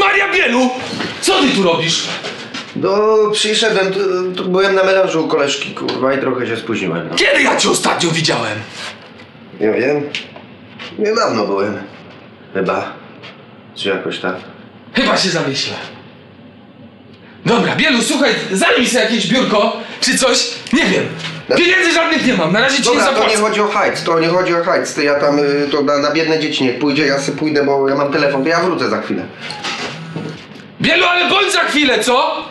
Maria Bielu! Co ty tu robisz? No, przyszedłem, tu byłem na melanżu u koleżki, kurwa, i trochę się spóźniłem. No. Kiedy ja cię ostatnio widziałem? Nie wiem. Niedawno byłem. Chyba. Czy jakoś tak. Chyba się zamyślę. Dobra, Bielu, słuchaj, zajmij sobie jakieś biurko, czy coś, nie wiem. Pieniędzy żadnych nie mam, na razie ci nie Dobra, to nie zapłacę. chodzi o hajc, to nie chodzi o hajc. Ja tam, to na biedne dzieci niech pójdzie, ja sobie pójdę, bo ja mam telefon, to ja wrócę za chwilę. Bielu, ale bądź za chwilę, co?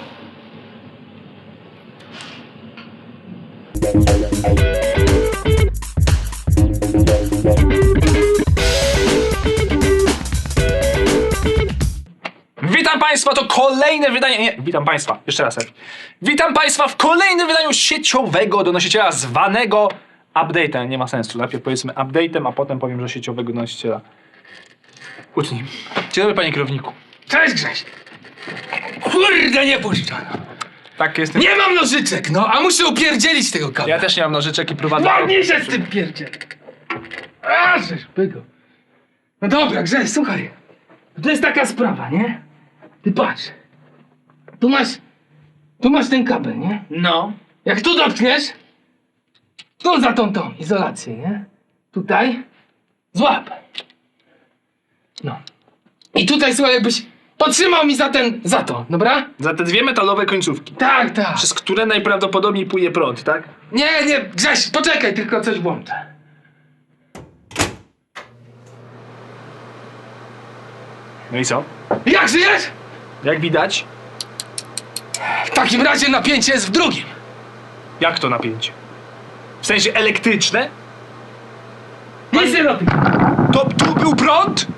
Witam Państwa, to kolejne wydanie, nie, witam Państwa, jeszcze raz. Witam Państwa w kolejnym wydaniu sieciowego donosiciela zwanego update'em. Nie ma sensu, najpierw powiedzmy update'em, a potem powiem, że sieciowego donosiciela. Utnij. Dzień dobry, panie kierowniku. Cześć, Grześ. Kurde, nie puszczano. Tak, jestem. Nie mam nożyczek, no, a muszę upierdzielić tego kabla. Ja też nie mam nożyczek i prowadzę. Ładnie się z tym pierdziel. A, żeż pygo. No dobra, Grześ, słuchaj. To jest taka sprawa, nie? Ty patrz. Tu masz ten kabel, nie? No. Jak tu dotkniesz, to za tą izolację, nie? Tutaj złap. No. I tutaj, słuchaj, jakbyś potrzymał mi za to, dobra? Za te dwie metalowe końcówki, Tak, tak. przez które najprawdopodobniej płynie prąd, tak? Nie, Grześ, poczekaj, tylko coś włączę. No i co? Jak żyjesz? Jak widać, W takim razie napięcie jest w drugim. jak to napięcie? W sensie elektryczne? Nic nie robi. To tu był prąd?